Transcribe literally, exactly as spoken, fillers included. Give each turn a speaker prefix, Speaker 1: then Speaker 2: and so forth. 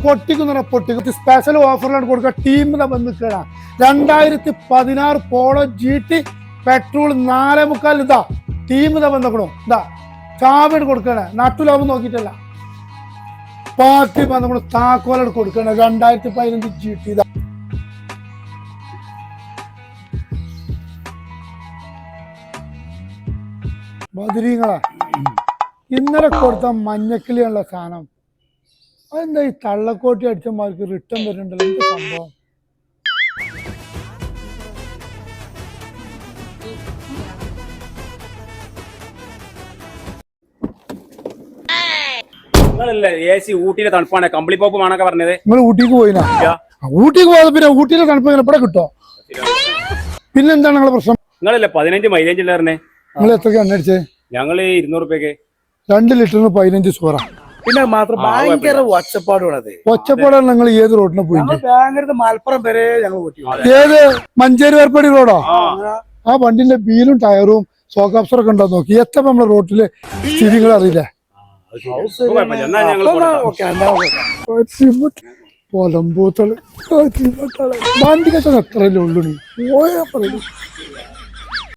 Speaker 1: പൊട്ടിക്കുന്ന പൊട്ടിക്കുന്ന സ്പെഷ്യൽ ഓഫറിലാണ് കൊടുക്കുക. ടീമിനെ വന്നിട്ടാ രണ്ടായിരത്തി പതിനാറ് പോളോ ജി ടി പെട്രോൾ നാലേ മുക്കാൽ ഇതാ ടീമിനെ വന്നേക്കണോ ഇതാ ചാവിട് കൊടുക്കണേ നട്ടുലാഭം നോക്കിയിട്ടല്ല പാർട്ടി നമ്മൾ താക്കോലോട് കൊടുക്കണേ രണ്ടായിരത്തി പതിനഞ്ച് ജി ടി ഇതാ ബദരീങ്ങളാ ഇന്നലെ കൊടുത്ത മഞ്ഞക്കിളിയുള്ള സാധനം അതെന്താ ഈ തള്ളക്കോട്ടി അടിച്ചമാർക്ക് റിട്ടേൺ വരുന്നുണ്ടല്ലോ എന്ത് സംഭവം?
Speaker 2: ഊട്ടിയിലെ തണുപ്പാണ് കമ്പിളി പോപ്പ് വേണൊക്കെ പറഞ്ഞത്.
Speaker 1: നിങ്ങൾ ഊട്ടിക്ക് പോയിനാ? ഊട്ടിക്ക് പോയത് പിന്നെ ഊട്ടിയിലെ തണുപ്പ് ഇവിടെ കിട്ടോ? പിന്നെന്താണ് നിങ്ങളെ പ്രശ്നം?
Speaker 2: നിങ്ങളല്ലേ പതിനഞ്ച് മൈലേജ് ഉള്ളവരെ
Speaker 1: നിങ്ങൾ എത്രക്ക് എണ്ണ അടിച്ചേ?
Speaker 2: ഞങ്ങള് ഇരുന്നൂറ് രൂപയ്ക്ക്
Speaker 1: രണ്ട് ലിറ്ററിന് പതിനഞ്ച് സോറ.
Speaker 3: പിന്നെ മാത്രം ഭയങ്കര ഒച്ചപ്പാടുള്ളത്.
Speaker 1: ഒച്ചപ്പാടാണ് നിങ്ങൾ ഏത് റോഡിന് പോയിട്ട്?
Speaker 3: ബാംഗ്ലൂർ മലപ്പുറം വരെ ഞങ്ങൾ ഓട്ടി.
Speaker 1: ഏത് മഞ്ചേരി വേർപ്പടി റോഡോ? ആ വണ്ടിന്റെ ബീലും ടയറും സോക്കാപ്സറൊക്കെ ഉണ്ടോ നോക്കി. എത്ര നമ്മളെ റോട്ടില് സ്ഥിതികൾ അറിയില്ലേ? പൊലമ്പൂത്തള് വണ്ടി കച്ചവടം എത്രയല്ലേ ഉള്ളു? നീ പോയാ പറയും